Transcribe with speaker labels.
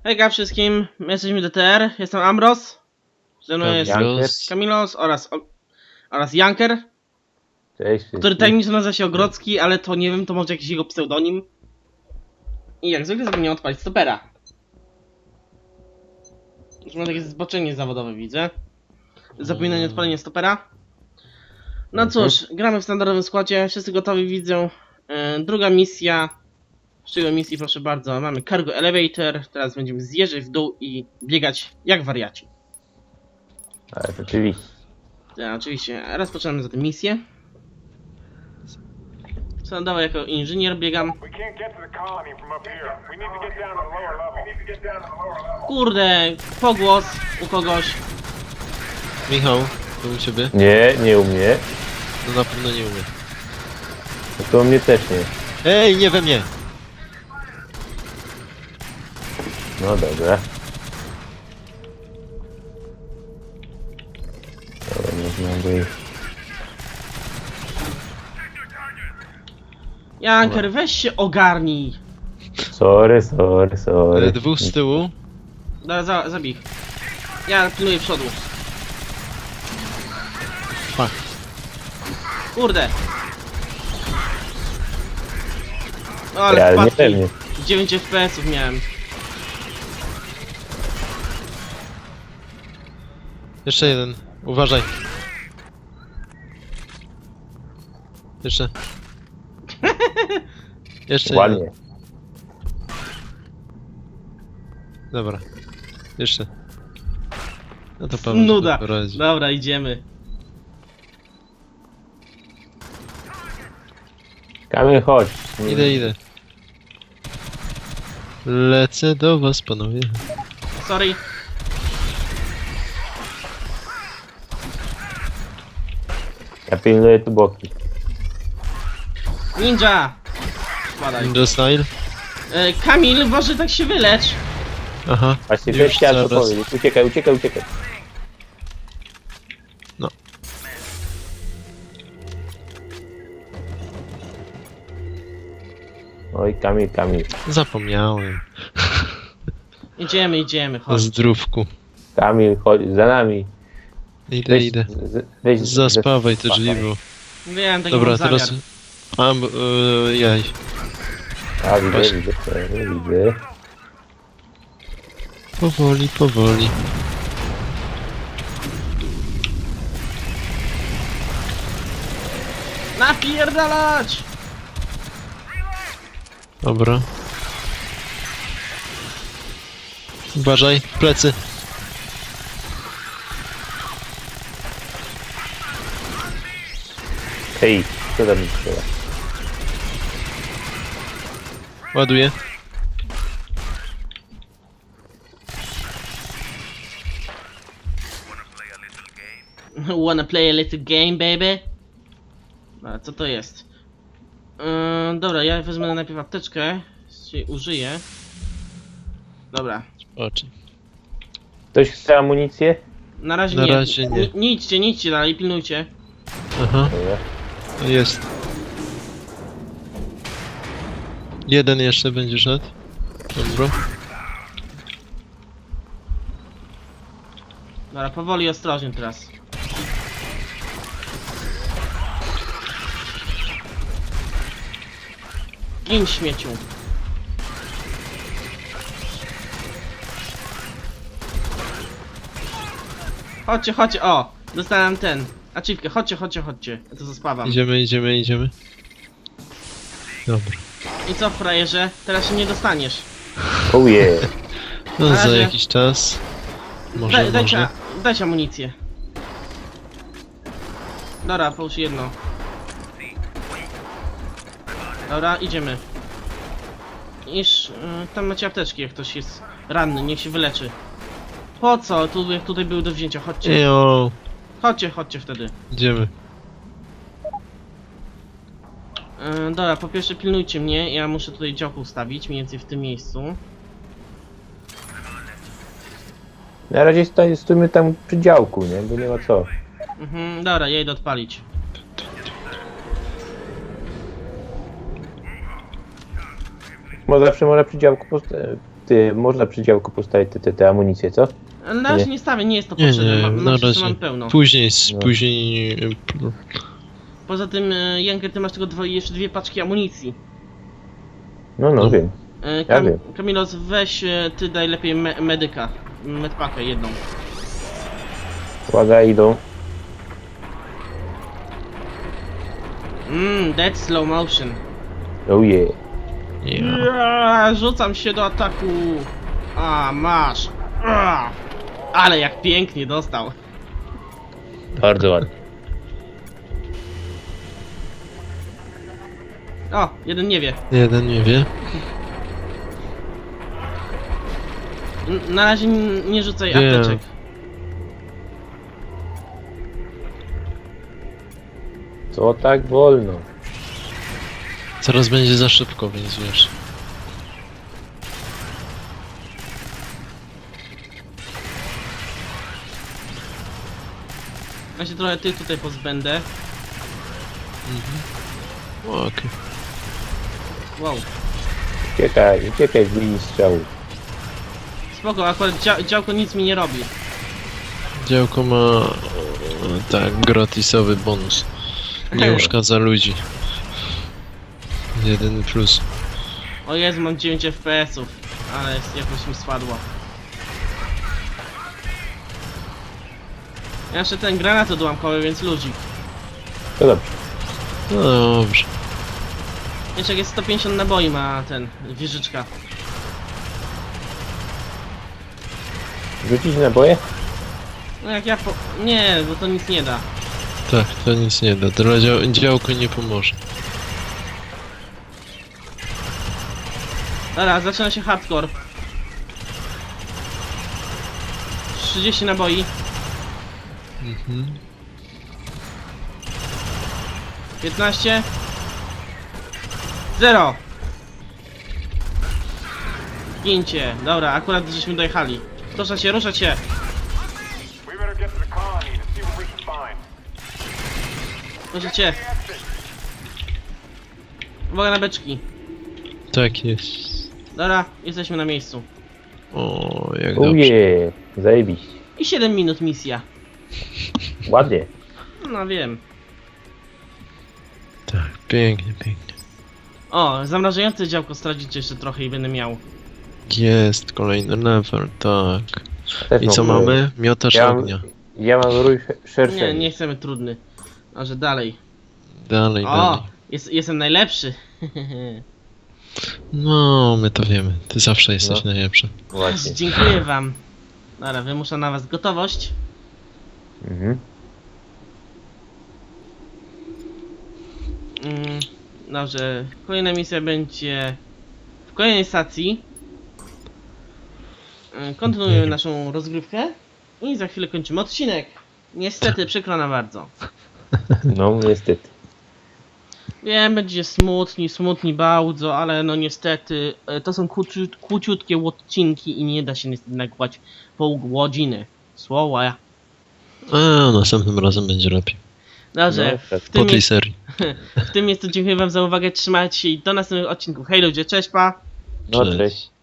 Speaker 1: Hejka wszystkim, my jesteśmy DTR, jestem Ambros, ze mną jest Kamilos oraz Janker,
Speaker 2: Cześć,
Speaker 1: który tajemniczo nazywa się Ogrodzki, ale to nie wiem, to może jakiś jego pseudonim. I jak zwykle zapomniałem odpalić stopera. Już mam takie zboczenie zawodowe, widzę. Zapominanie odpalenia stopera. No cóż, gramy w standardowym składzie, wszyscy gotowi widzę. Druga misja. Z czego misji, proszę bardzo, mamy Cargo Elevator, teraz będziemy zjeżdżać w dół i biegać jak wariaci.
Speaker 2: Ale oczywiście.
Speaker 1: Tak, oczywiście, rozpoczynamy zatem misję. Standardowo jako inżynier biegam. Kurde, pogłos u kogoś.
Speaker 3: Michał, to u ciebie?
Speaker 2: Nie u mnie.
Speaker 3: No na pewno nie umie.
Speaker 2: No to u mnie też nie.
Speaker 3: Ej, nie we mnie!
Speaker 2: No dobra. Dobra, można by...
Speaker 1: Janker, weź się ogarnij.
Speaker 2: Sorry.
Speaker 3: Dwóch z tyłu.
Speaker 1: Dobra, zabij. Ja pilnuję przodu.
Speaker 3: Fuck.
Speaker 1: Kurde. O, ale
Speaker 2: Ale
Speaker 1: wpadki.
Speaker 2: niepewnie.
Speaker 1: 9 FPS-ów miałem.
Speaker 3: Jeszcze jeden. Uważaj. Jeszcze. Jeszcze jeden.
Speaker 2: Ładnie.
Speaker 3: Dobra. Jeszcze. No to Paweł
Speaker 1: Nuda.
Speaker 3: sobie poradzi.
Speaker 1: Dobra, idziemy.
Speaker 2: Kamil, chodź.
Speaker 3: Idę. Lecę do was, panowie.
Speaker 1: Sorry.
Speaker 2: Ja pilnuję tu boki.
Speaker 1: Ninja! Spadaj.
Speaker 3: Ninja style.
Speaker 1: Kamil, może tak się wylecz.
Speaker 3: Aha.
Speaker 2: Właśnie
Speaker 3: Już
Speaker 2: też chciałem to
Speaker 3: zaraz.
Speaker 2: powiedzieć. Uciekaj.
Speaker 3: No.
Speaker 2: Oj, Kamil.
Speaker 3: Zapomniałem.
Speaker 1: Idziemy,
Speaker 3: O
Speaker 1: chodź.
Speaker 3: zdrówku.
Speaker 2: Kamil, chodź za nami.
Speaker 3: Idę.
Speaker 2: Weź
Speaker 3: Zaspawaj te drzwi, bo...
Speaker 1: Wiem, taki
Speaker 3: Dobra,
Speaker 1: mam zamiar.
Speaker 3: teraz... Jaj.
Speaker 2: A,
Speaker 3: Właśnie.
Speaker 2: widzę.
Speaker 3: Powoli.
Speaker 1: Napierdalać!
Speaker 3: Dobra. Uważaj, plecy.
Speaker 2: Hej, co tam mi strzela?
Speaker 3: Ładuję.
Speaker 1: Wanna play a little game, baby? A co to jest? Dobra, ja wezmę najpierw apteczkę, czyli użyję. Dobra.
Speaker 3: Oczy.
Speaker 2: Ktoś chce amunicję?
Speaker 1: Na razie
Speaker 3: Na
Speaker 1: nie.
Speaker 3: razie nie.
Speaker 1: Nie idźcie dalej, pilnujcie.
Speaker 3: Aha,
Speaker 2: Dobra.
Speaker 3: jest. Jeden jeszcze będzie szedł. Dobra.
Speaker 1: Dobra, powoli, ostrożnie teraz. Gin, śmieciu. Chodźcie, o! Dostałem ten. Achievkę, chodźcie. Ja to zaspawam.
Speaker 3: Idziemy. Dobra.
Speaker 1: I co, frajerze? Teraz się nie dostaniesz.
Speaker 2: Oh yeah.
Speaker 3: No
Speaker 1: Na
Speaker 3: za
Speaker 1: razie.
Speaker 3: jakiś czas. Może.
Speaker 1: Dajcie amunicję. Dobra, połóż jedno. Dobra, idziemy. Tam macie apteczki, jak ktoś jest ranny, niech się wyleczy. Po co? Jak tutaj były do wzięcia, chodźcie.
Speaker 3: Ejo.
Speaker 1: Chodźcie wtedy.
Speaker 3: Idziemy.
Speaker 1: Dobra, po pierwsze pilnujcie mnie, ja muszę tutaj działko ustawić, mniej więcej w tym miejscu.
Speaker 2: Na razie stójmy tam przy działku, nie? Bo nie ma co.
Speaker 1: Dobra, ja idę odpalić.
Speaker 2: Może zawsze można przy działku można przy działku postawić te amunicje, co?
Speaker 1: Na razie
Speaker 2: Nie.
Speaker 1: nie stawię, nie jest to
Speaker 3: Nie,
Speaker 1: potrzebne.
Speaker 3: nie,
Speaker 1: Mam,
Speaker 3: na
Speaker 1: wszyscy
Speaker 3: razie.
Speaker 1: mam pełno.
Speaker 3: Później,
Speaker 2: No.
Speaker 3: później...
Speaker 1: Poza tym, Janker, ty masz tylko jeszcze 2 paczki amunicji.
Speaker 2: No,
Speaker 3: No.
Speaker 2: wiem. Ja wiem.
Speaker 1: Kamilos, weź ty daj lepiej medyka. Medpakę jedną.
Speaker 2: Uwaga, idą.
Speaker 1: Dead slow motion.
Speaker 2: Oh yeah.
Speaker 3: Ja.
Speaker 1: Rzucam się do ataku. A, masz. Ale jak pięknie dostał.
Speaker 2: Bardzo ładnie.
Speaker 1: O, jeden nie wie.
Speaker 3: Jeden nie wie.
Speaker 1: Na razie nie rzucaj
Speaker 3: Nie.
Speaker 1: apteczek.
Speaker 2: Co tak wolno?
Speaker 3: Zaraz będzie za szybko, więc wiesz.
Speaker 1: Ja się trochę tych tutaj pozbędę.
Speaker 3: Okej.
Speaker 1: Wow.
Speaker 2: Uciekaj z linii strzału.
Speaker 1: Spoko, akurat działko nic mi nie robi.
Speaker 3: Działko ma... tak, gratisowy bonus. Nie uszkadza ludzi. Jedyny plus.
Speaker 1: O Jezu, mam 9 FPS-ów. Ale jakoś mi spadło. Ja jeszcze ten granat odłamkowy, więc ludzik.
Speaker 2: To dobrze.
Speaker 3: No dobrze.
Speaker 1: Jeszcze jak jest 150 naboi ma ten, wieżyczka.
Speaker 2: Rzucić naboje?
Speaker 1: No jak ja po... Nie, bo to nic nie da.
Speaker 3: Tak, to nic nie da. Dla działko nie pomoże.
Speaker 1: Dobra, zaczyna się hardcore. 30 naboi.
Speaker 3: Mhm.
Speaker 1: 15. 0. Gięcie. Dobra, akurat żeśmy dojechali. Ruszać się, ruszać się.
Speaker 4: We better get to the colony to see what we can find.
Speaker 1: Ruszać się. Uwaga na beczki.
Speaker 3: Tak jest.
Speaker 1: Dobra, jesteśmy na miejscu.
Speaker 3: O, jak
Speaker 2: Oh
Speaker 3: dobrze.
Speaker 2: yeah. Zajebiście.
Speaker 1: I 7 minut misja.
Speaker 2: Ładnie.
Speaker 1: No wiem.
Speaker 3: Tak, pięknie, pięknie.
Speaker 1: O, zamrażające działko stracić jeszcze trochę i będę miał.
Speaker 3: Jest kolejny level, tak.
Speaker 2: Też
Speaker 3: I co
Speaker 2: mam-
Speaker 3: mamy? Miotacz
Speaker 2: Ja mam-
Speaker 3: ognia.
Speaker 2: Ja mam rój szerszy.
Speaker 1: Nie, nie chcemy trudny. A że dalej.
Speaker 3: Dalej,
Speaker 1: O,
Speaker 3: dalej.
Speaker 1: jestem najlepszy.
Speaker 3: No, my to wiemy. Ty zawsze jesteś
Speaker 2: No.
Speaker 3: najlepszy.
Speaker 2: Właśnie.
Speaker 1: Dziękuję wam. Dobra, wymusza na was gotowość.
Speaker 2: Mhm.
Speaker 1: Dobrze, kolejna misja będzie w kolejnej stacji. Kontynuujemy naszą rozgrywkę i za chwilę kończymy odcinek. Niestety, przykro nam bardzo.
Speaker 2: No, niestety.
Speaker 1: Wiem, będzie smutni bardzo, ale no niestety to są króciutkie odcinki i nie da się niestety nagłać pół godziny. Słowa.
Speaker 3: A, następnym razem będzie lepiej.
Speaker 1: Dobrze,
Speaker 2: No, tak.
Speaker 1: w,
Speaker 3: Po
Speaker 1: tym
Speaker 3: tej serii.
Speaker 1: w tym miejscu dziękuję wam za uwagę, trzymajcie się i do następnych odcinków. Hej ludzie, cześć pa!
Speaker 2: No,
Speaker 3: Cześć.
Speaker 2: cześć.